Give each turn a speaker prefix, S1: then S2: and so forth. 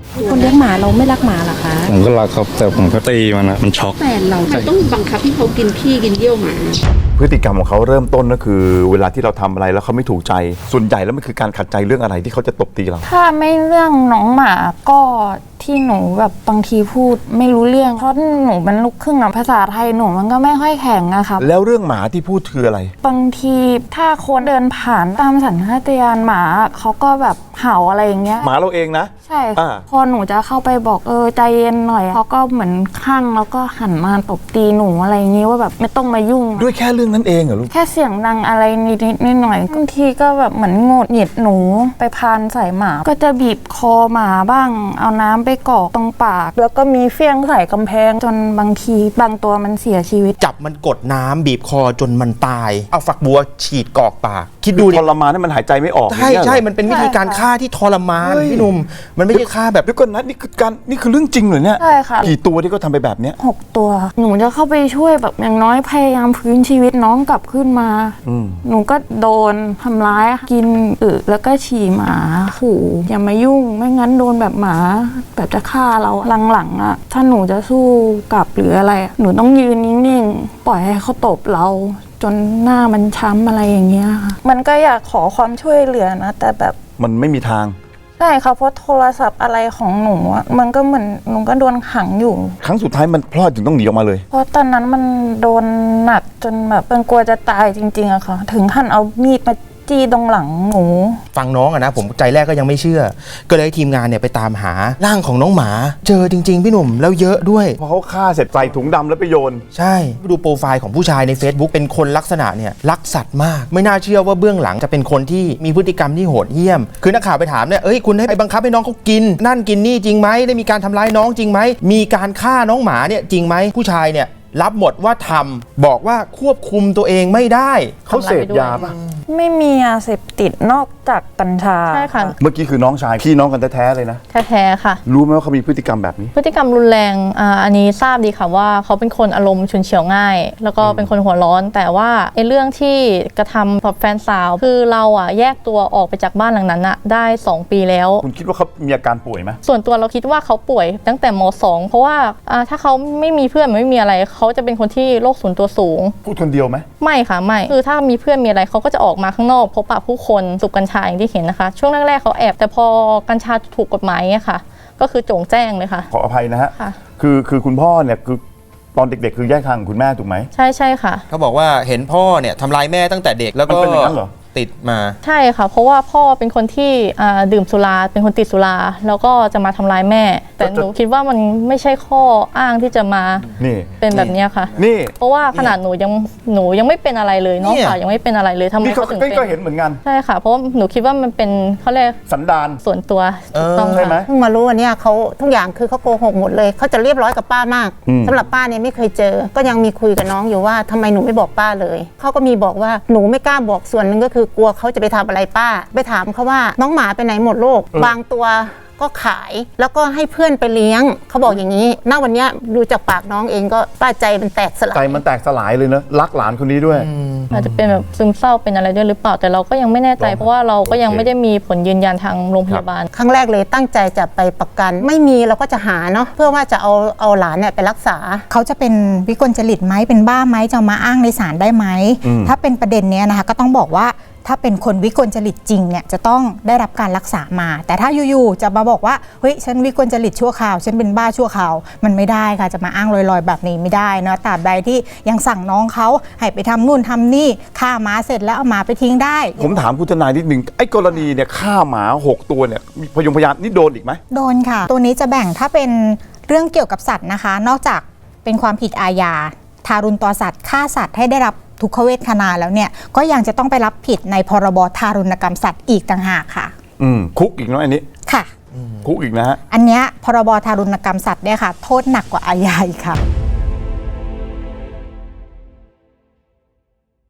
S1: คนเลี้ยงหมาเราไม่รักหมาเหรอคะ
S2: ผมก็รักครับแต่ผมก็ตีมันนะมันช็อก
S1: แฟนเรา
S3: มันต้องบังคับให้เขากินขี้กินเยี่ยวหมา
S4: พฤติกรรมของเขาเริ่มต้นก็คือเวลาที่เราทำอะไรแล้วเขาไม่ถูกใจส่วนใหญ่แล้วมันคือการขัดใจเรื่องอะไรที่เขาจะตบตีเรา
S5: ถ้าไม่เรื่องน้องหมาก็ที่หนูแบบบางทีพูดไม่รู้เรื่องเพราะหนูมันลูกครึ่งอะภาษาไทยหนูมันก็ไม่ค่อยแข็งอะค่ะ
S4: แล้วเรื่องหมาที่พูดคืออะไร
S5: บางทีถ้าคนเดินผ่านตามสัญชาตญาณหมาเขาก็แบบเห่าอะไรอย่างเงี้ย
S4: หมาเราเองนะ
S5: ใช่พอหนูจะเข้าไปบอกใจเย็นหน่อยเขาก็เหมือนข้างแล้วก็หันมาตบตีหนูอะไรอย่างงี้ว่าแบบไม่ต้องมายุ่ง
S4: ด้วยแค่เรื่องนั้นเองเหรอลูก
S5: แค่เสียงดังอะไรนิดหน่อยบางทีก็แบบเหมือนโงดหงิดหนูไปพานใส่หมาก็จะบีบคอหมาบ้างเอาน้ำไปกรอกตรงปากแล้วก็มีเฟี้ยงใส่กำแพงจนบางทีบางตัวมันเสียชีวิต
S6: จับมันกดน้ำบีบคอจนมันตายเอาฝักบัวฉีดกรอกปากคิดดู
S4: ทรมานให้มันหายใจไม่ออก
S6: ใช่มันเป็นวิธีการฆ่าที่ทรมานพี่หนุ่มมันไม่ใช่ฆ่าแบบ
S4: เดี๋ยวก่อนนะนี่คือเรื่องจริงเหรอเนี่ย
S5: ใช่ค่ะ
S4: กี่ตัวที่เขาทำไปแบบเนี้ย
S5: 6 ตัวหนูจะเข้าไปช่วยแบบอย่างน้อยพยายามฟื้นชีวิตน้องกลับขึ้นมาหนูก็โดนทำร้ายกินแล้วก็ฉี่หมาขู่อย่ามายุ่งไม่งั้นโดนแบบหมาแบบจะฆ่าเราหลังๆอะถ้าหนูจะสู้กลับหรืออะไรหนูต้องยืนนิ่งๆปล่อยให้เขาตบเราจนหน้ามันช้ำอะไรอย่างเงี้ยค่ะมันก็อยากขอความช่วยเหลือนะแต่แบบ
S4: มันไม่มีทาง
S5: ใช่ค่ะเพราะโทรศัพท์อะไรของหนูมันก็เหมือนหนูก็โดนขังอยู่
S4: ครั้งสุดท้ายมันพลาดถึงต้องหนีออกมาเลย
S5: เพราะตอนนั้นมันโดนหนักจนแบบเป็นกลัวจะตายจริงๆอะค่ะถึงขั้นเอามีดมาจี้ตรงหลังหนู
S6: ฟังน้องอะนะผมใจแรกก็ยังไม่เชื่อก็เลยทีมงานเนี่ยไปตามหาร่างของน้องหมาเจอจริงๆพี่หนุ่มแล้วเยอะด้วย
S4: เพราะเขาฆ่าเสร็จใส่ถุงดำแล้วไปโยน
S6: ใช่ดูโปรไฟล์ของผู้ชายใน Facebook เป็นคนลักษณะเนี่ยรักสัตว์มากไม่น่าเชื่อว่าเบื้องหลังจะเป็นคนที่มีพฤติกรรมที่โหดเหี้ยมคือนักข่าวไปถามเนี่ยคุณให้ไปบังคับให้น้องเขากินนั่นกินนี่จริงไหมได้มีการทำร้ายน้องจริงไหมมีการฆ่าน้องหมาเนี่ยจริงไหมผู้ชายเนี่ยรับหมดว่าทำบอกว่าควบคุมตัวเองไม่ได้
S4: เขาเสพยาป่ะ
S5: ไม่มียาเสพติดนอกจากกัญชา
S1: ใช่ค่ะ
S4: เมื่อกี้คือน้องชายพี่น้องกันแท้ๆเลยนะ
S1: แท้ๆค่ะ
S4: รู้ไหมว่าเขามีพฤติกรรมแบบนี้
S1: พฤติกรรมรุนแรงอันนี้ทราบดีค่ะว่าเขาเป็นคนอารมณ์ฉุนเฉียวง่ายแล้วก็เป็นคนหัวร้อนแต่ว่าไอ้เรื่องที่กระทำกับแฟนสาวคือเราแยกตัวออกไปจากบ้านหลังนั้นได้2 ปีแล้ว
S4: คุณคิดว่าเขามีอาการป่วยไหม
S1: ส่วนตัวเราคิดว่าเขาป่วยตั้งแต่ม.2 เพราะว่าถ้าเขาไม่มีเพื่อนไม่มีอะไรเขาจะเป็นคนที่โรคส่วนตัวสูง
S4: พูดคนเดียวไหม
S1: ไม่ค่ะไม่คือถ้ามีเพื่อนมีอะไรเขาก็จะออกมาข้างนอกพบปะผู้คนสูบกัญชาอย่างที่เห็นนะคะช่วงแรกๆเขาแอบแต่พอกัญชาถูกกฎหมายเนี่ยค่ะก็คือโจ่งแจ้งเลยค่ะ
S4: ขออภัยนะฮะคือคุณพ่อเนี่ยคือตอนเด็กๆคือแยกทางคุณแม่ถูกไหม
S1: ใช่ค่ะ
S6: เขาบอกว่าเห็นพ่อเนี่ยทำร้ายแม่ตั้งแต่เด็กแล้วก็
S4: เป็นอย่างนั้นเหรอ
S6: ติดมา
S1: ใช่ค่ะเพราะว่าพ่อเป็นคนที่ดื่มสุราเป็นคนติดสุราแล้วก็จะมาทำร้ายแม่แต่หนูคิดว่ามันไม่ใช่ข้ออ้างที่จะมาเป็นแบบนี้ค่ะ
S4: นี่
S1: เพราะว่าขนาดหนูยังไม่เป็นอะไรเลยน้องสาวยังไม่เป็นอะไรเลยทำไมเขาถึงเป็น
S4: ก็เห็นเหมือนกัน
S1: ใช่ค่ะเพราะหนูคิดว่ามันเป็นเขาเรียก
S4: สันดาน
S1: ส่วนตัวถูกต้อง
S4: ใช่ไหม
S7: เพิ่งมารู้วันนี้เขาทุกอย่างคือเขาโกหกหมดเลยเขาจะเรียบร้อยกับป้ามากสำหรับป้าเนี่ยไม่เคยเจอก็ยังมีคุยกับน้องอยู่ว่าทำไมหนูไม่บอกป้าเลยเขาก็มีบอกว่าหนูไม่กล้าบอกส่วนหนึ่งก็คือกลัวเขาจะไปทำอะไรป้าไปถามเขาว่าน้องหมาไปไหนหมดโลกบางตัวก็ขายแล้วก็ให้เพื่อนไปเลี้ยงเขาบอกอย่างนี้ณวันนี้ดูจากปากน้องเองก็ป้าใจมันแตกสลาย
S4: ใจมันแตกสลายเลยนะรักหลานคนนี้ด้วย
S1: อาจจะเป็นแบบซึมเศร้าเป็นอะไรด้วยหรือเปล่าแต่เราก็ยังไม่แน่ใจเพราะว่าเราก็ยังไม่ได้มีผลยืนยันทางโรงพยาบาล
S7: ครั้งแรกเลยตั้งใจจะไปประกันไม่มีเราก็จะหาเนาะเพื่อว่าจะเอาหลานเนี่ยไปรักษา
S8: เขาจะเป็นวิกลจริตไหมเป็นบ้าไหมจะมาอ้างในศาลได้ไหมถ้าเป็นประเด็นเนี้ยนะคะก็ต้องบอกว่าถ้าเป็นคนวิกลจริตจริงเนี่ยจะต้องได้รับการรักษามาแต่ถ้าอยู่ๆจะมาบอกว่าเฮ้ยฉันวิกลจริตชั่วคราวฉันเป็นบ้าชั่วคราวมันไม่ได้ค่ะจะมาอ้างลอยๆแบบนี้ไม่ได้นะตราบใดที่ยังสั่งน้องเขาให้ไปทำนู่นทำนี่ฆ่าหมาเสร็จแล้วเอาหมาไปทิ้งได้
S4: ผมถามคุณทนายนิดนึงไอ้กรณีเนี่ยฆ่าหมา6 ตัวเนี่ยพยานนี่โดนอีกไหม
S8: โดนค่ะตัวนี้จะแบ่งถ้าเป็นเรื่องเกี่ยวกับสัตว์นะคะนอกจากเป็นความผิดอาญาทารุณต่อสัตว์ฆ่าสัตว์ให้ได้รับทุกขเวทนาแล้วเนี่ยก็ยังจะต้องไปรับผิดในพรบทารุณกรรมสัตว์อีกต่างหากค่ะ
S4: คุกอีกเนาะอันนี้
S8: ค่ะ
S4: คุกอีกนะฮะ
S8: อันเนี้ยพรบทารุณกรรมสัตว์เนี่ยค่ะโทษหนักกว่าอาญาอีกค่ะ